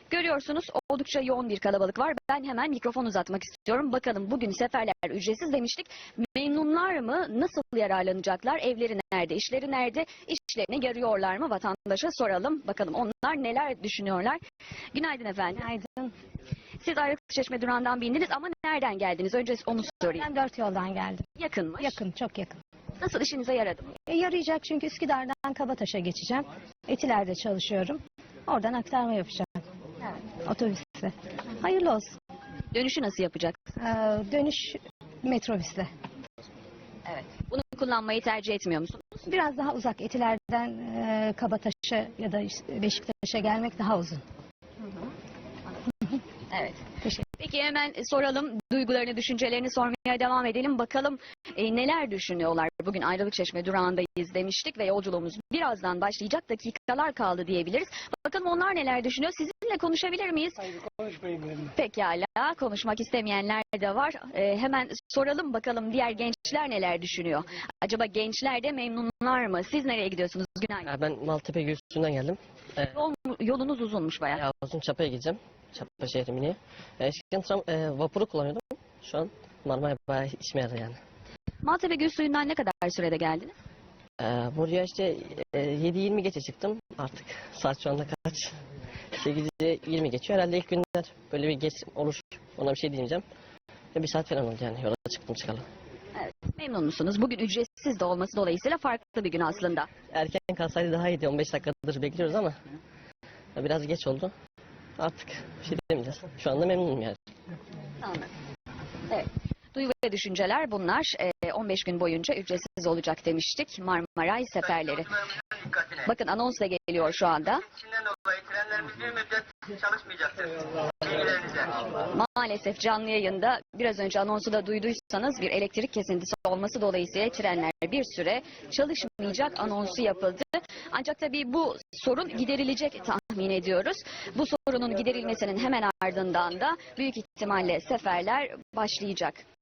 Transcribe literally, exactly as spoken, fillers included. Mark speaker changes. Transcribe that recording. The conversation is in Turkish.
Speaker 1: Görüyorsunuz oldukça yoğun bir kalabalık var. Ben hemen mikrofon uzatmak istiyorum. Bakalım bugün seferler ücretsiz demiştik. Memnunlar mı? Nasıl yararlanacaklar? Evleri nerede? İşleri nerede? İşlerini görüyorlar mı? Vatandaşa soralım. Bakalım onlar neler düşünüyorlar? Günaydın efendim.
Speaker 2: Günaydın.
Speaker 1: Siz Ayrıklıçeşme durağından bindiniz ama nereden geldiniz? Önce onu sorayım.
Speaker 2: Ben dört yoldan geldim.
Speaker 1: Yakınmış.
Speaker 2: Yakın, çok yakın.
Speaker 1: Nasıl, işinize yaradı mı?
Speaker 2: E, yarayacak çünkü Üsküdar'dan Kabataş'a geçeceğim. Etiler'de çalışıyorum. Oradan aktarma yapacağım. Evet. Otobüsle. Hayırlı olsun.
Speaker 1: Dönüşü nasıl yapacak?
Speaker 2: Ee, dönüş metrobüsle.
Speaker 1: Evet. Bunu kullanmayı tercih etmiyor musunuz?
Speaker 2: Biraz daha uzak. Etiler'den e, Kabataş'a ya da işte Beşiktaş'a gelmek daha uzun.
Speaker 1: Evet.
Speaker 2: Teşekkür.
Speaker 1: Peki hemen soralım, duygularını, düşüncelerini sormaya devam edelim. Bakalım e, neler düşünüyorlar? Bugün Ayrılıkçeşme durağındayız demiştik ve yolculuğumuz birazdan başlayacak. Dakikalar kaldı diyebiliriz. Bakalım onlar neler düşünüyor? Sizinle konuşabilir miyiz?
Speaker 3: Hayır, konuşmayın benimle.
Speaker 1: Pekala, konuşmak istemeyenler de var. E, hemen soralım bakalım diğer gençler neler düşünüyor? Acaba gençler de memnunlar mı? Siz nereye gidiyorsunuz? Günaydın.
Speaker 4: Ya ben Maltepe Gülsü'nden geldim. Ee,
Speaker 1: Yol, yolunuz uzunmuş bayağı.
Speaker 4: ya uzun Çapa'ya gideceğim. Çapa şehri mini. Ee, eskiden tram, e, vapuru kullanıyordum. Şu an Marmara bayağı işime yaradı yani.
Speaker 1: Maltepe Gül Suyu'ndan ne kadar sürede geldiniz?
Speaker 4: Ee, buraya işte e, yedi yirmi geçe çıktım. Artık saat şu anda kaç? sekiz yirmi geçiyor. Herhalde ilk günler böyle bir geç olur. Ona bir şey diyeceğim. Ve bir saat falan oldu yani. Yola çıktım çıkalı.
Speaker 1: Evet. Memnun musunuz? Bugün ücretsiz de olması dolayısıyla farklı bir gün aslında.
Speaker 4: Erken kalsaydı daha iyiydi. on beş dakikadır bekliyoruz ama biraz geç oldu. Artık bir şey demeyeceğiz. Şu anda memnunum yani.
Speaker 1: Anladım. Evet. Duygu ve düşünceler bunlar. Ee, on beş gün boyunca ücretsiz olacak demiştik. Marmaray seferleri. Bakın anons da geliyor şu anda.
Speaker 5: İçinden dolayı trenlerimiz bir müddet çalışmayacaktır. Bilgilerinize.
Speaker 1: Maalesef canlı yayında biraz önce anonsu da duyduysanız bir elektrik kesintisi olması dolayısıyla trenler bir süre çalışmayacak anonsu yapıldı. Ancak tabii bu sorun giderilecek tahmin ediyoruz. Bu sorunun giderilmesinin hemen ardından da büyük ihtimalle seferler başlayacak.